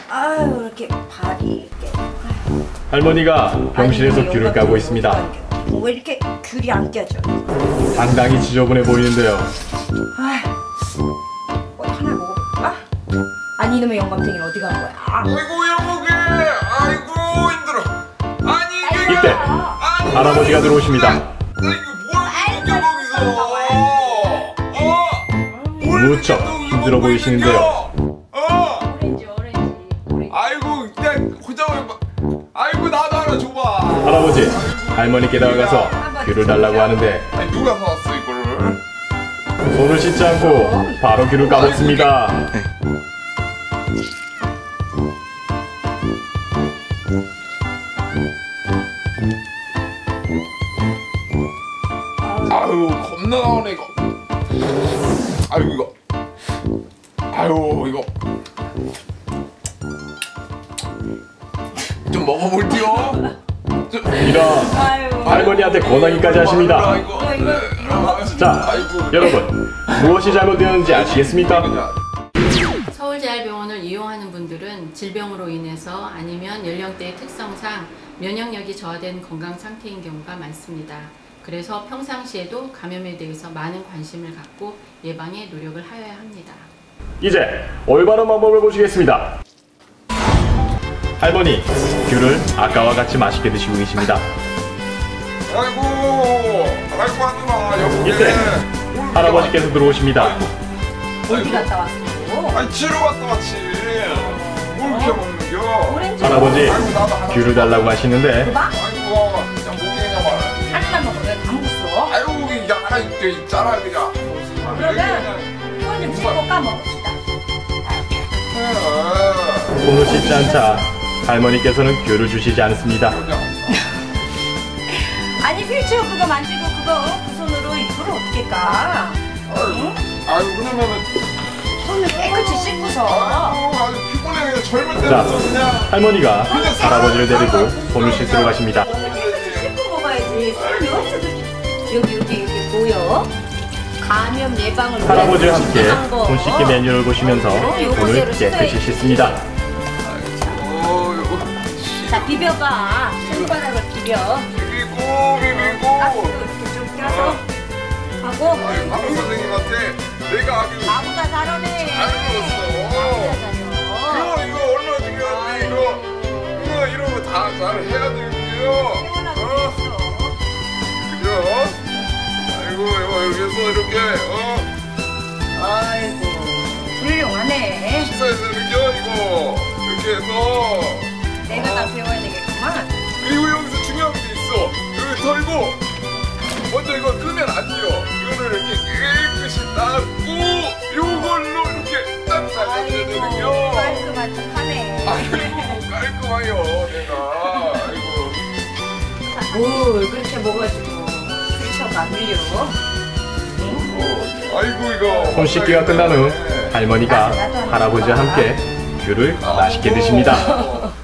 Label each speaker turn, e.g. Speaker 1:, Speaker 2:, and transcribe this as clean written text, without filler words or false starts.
Speaker 1: 아유 이렇게 발이 이렇게.
Speaker 2: 할머니가 병실에서 귤을 까고 있습니다.
Speaker 1: 왜 이렇게 귤이 안 껴져?
Speaker 2: 상당히 지저분해 보이는데요.
Speaker 1: 하나 먹어볼까? 아니 이놈의 영감탱이는 어디 간 거야?
Speaker 3: 아이고 여보게, 아이고 힘들어. 아니 이게
Speaker 2: 이때 할아버지가 들어오십니다.
Speaker 3: 이거 뭘
Speaker 2: 무척 힘들어 보이시는데요.
Speaker 1: 오렌지.
Speaker 3: 아이고 그냥 혼자 아이고 나도 하나 줘봐.
Speaker 2: 할아버지 할머니께 다가가서 귤을 달라고 하는데
Speaker 3: 아니 누가 사왔어 이거를?
Speaker 2: 손을 씻지 않고 바로 귤을 까먹습니다.
Speaker 3: 아유 겁나 나오네 이거. 아유 이거. 아유 이거. 좀 먹어볼게요.
Speaker 2: 이런 할머니한테 권하기까지 하십니다. 자, 여러분 무엇이 잘못되었는지 아시겠습니까?
Speaker 4: 서울재활병원을 이용하는 분들은 질병으로 인해서 아니면 연령대의 특성상 면역력이 저하된 건강 상태인 경우가 많습니다. 그래서 평상시에도 감염에 대해서 많은 관심을 갖고 예방에 노력을 하여야 합니다.
Speaker 2: 이제 올바른 방법을 보시겠습니다. 할머니, 귤을 아까와 같이 맛있게 드시고 계십니다.
Speaker 3: 아이고 하지마 여보게.
Speaker 2: 이때 할아버지께서 들어오십니다.
Speaker 1: 어디 갔다 왔어?
Speaker 3: 아니 치료 갔다 왔지. 뭘 이렇게 먹는겨?
Speaker 1: 오렌지.
Speaker 2: 할아버지 귤을 달라고 하시는데
Speaker 3: 아이고 그냥 목이냐 말.
Speaker 1: 하나만 먹어. 왜다 먹었어?
Speaker 3: 아이고 이게 하나 있잖아 그냥.
Speaker 1: 그러면 이걸 좀 씹고 까먹읍시다.
Speaker 2: 손을 씻지 않자 할머니께서는 귤을 주시지 않습니다.
Speaker 1: 아니 필치오 그거 만지고 그 손으로 이걸 어떻게 까? 응?
Speaker 3: 아유 그러면은
Speaker 1: 손을 깨끗이 씻고서.
Speaker 3: 아유 피곤해 그냥 젊을
Speaker 2: 자,
Speaker 3: 때부터 그냥.
Speaker 2: 할머니가 할아버지를 데리고 손을 씻으러 가십니다.
Speaker 1: 깨끗이 씻고 먹어야지. 손이 어떻게 여기 보여? 감염 예방을
Speaker 2: 할아버지와 함께
Speaker 1: 위한 거.
Speaker 2: 손 씻기 메뉴를 보시면서 손을 깨끗이 씻습니다.
Speaker 3: 아이고 이거
Speaker 1: 자 비벼봐. 손바닥을 비벼.
Speaker 3: 비비고.
Speaker 1: 가스도 이렇게 좀 껴서 하고.
Speaker 3: 아유 박사 선생님한테 내가 아주
Speaker 1: 나보다 잘하네.
Speaker 3: 잘 배웠어. 이거 얼마나 중요한데 이거 이런 거 다 잘 해야 되거든요. 그죠? 아이고 이거 여기서 이렇게
Speaker 1: 아이고 훌륭하네.
Speaker 3: 식사해서 이거 이렇게 해서
Speaker 1: 내가 다 배워야 되겠구만.
Speaker 3: 그리고 여기서 중요한 게 있어. 여기 털고 먼저 이거 끄면 안 돼요. 이거를 이렇게 깨끗이 닦고 요걸로 이렇게 딱 잘라야 되거든요.
Speaker 1: 깔끔한 척하네.
Speaker 3: 아이고 깔끔해요 내가. 아이고
Speaker 1: 뭘 그렇게 먹어가지고 수치가 안 밀려.
Speaker 3: 아이고 이거
Speaker 2: 손 씻기가 끝난 후 할머니가 할아버지와 함께 귤을 맛있게 드십니다.